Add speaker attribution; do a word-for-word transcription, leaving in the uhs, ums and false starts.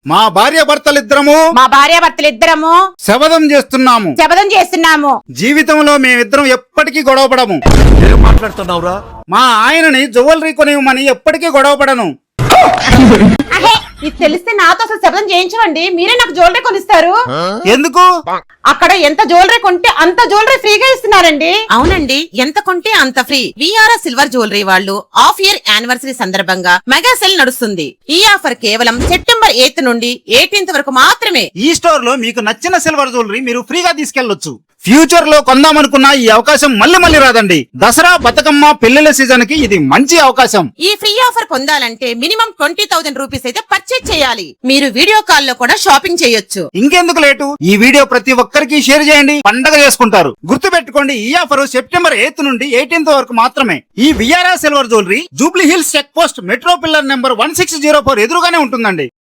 Speaker 1: మా భార్య భర్తలిద్దరము
Speaker 2: మా భార్య భర్తలిద్దరము
Speaker 1: శపథం చేస్తున్నాము
Speaker 2: శపథం చేస్తున్నాము
Speaker 1: జీవితంలో మేమిద్దరం ఎప్పటికీ గొడవపడము.
Speaker 3: ఏం మాట్లాడుతున్నావురా?
Speaker 1: మా ఆయనని జ్యువెలరీ కొనివ్వమని ఎప్పటికీ గొడవపడను.
Speaker 2: అహే, ఇది తెలిస్తే నాతో అసలు శపథం చేయించవండి. మీరే నాకు జ్యువెలరీ కొనిస్తారు.
Speaker 1: ఎందుకు?
Speaker 2: అక్కడ ఎంత జ్యువెలరీ కొంటే అంత జ్యువెలరీ ఫ్రీగా ఇస్తున్నారండి.
Speaker 4: అవునండి, ఎంత కొంటే అంత ఫ్రీ. విఆర్ఆర్ సిల్వర్ జ్యువెలరీ వాళ్ళు హాఫ్ ఇయర్ యానివర్సరీ సందర్భంగా మెగా సెల్ నడుస్తుంది. ఈ ఆఫర్ కేవలం సెప్టెంబర్ ఎయిత్ నుండి ఎయిటీన్త్ వరకు మాత్రమే.
Speaker 1: ఈ స్టోర్ లో మీకు నచ్చిన సిల్వర్ జ్యువెలరీ మీరు ఫ్రీగా తీసుకెళ్లొచ్చు. ఫ్యూచర్ లో కొందామనుకున్న ఈ అవకాశం మళ్ళీ మళ్ళీ రాదండి. దసరా, బతుకమ్మ, పెళ్లిళ్ల సీజన్ కి ఇది మంచి అవకాశం.
Speaker 4: ఈ ఫ్రీ ఆఫర్ పొందాలంటే మినిమం ట్వంటీ థౌసండ్ రూపీస్ అయితే పర్చేజ్ చేయాలి. మీరు వీడియో కాల్ లో కూడా షాపింగ్ చేయొచ్చు.
Speaker 1: ఇంకెందుకు లేటు, ఈ వీడియో ప్రతి ఒక్కరికి షేర్ చేయండి, పండగ చేసుకుంటారు. గుర్తు పెట్టుకోండి, ఈ ఆఫర్ సెప్టెంబర్ ఎయిత్ నుండి ఎయిటీన్త్ వరకు మాత్రమే. ఈ VRR silver jewellery Jubilee Hills check post metro pillar number one six zero four ఎదురుగానే ఉంటుందండి.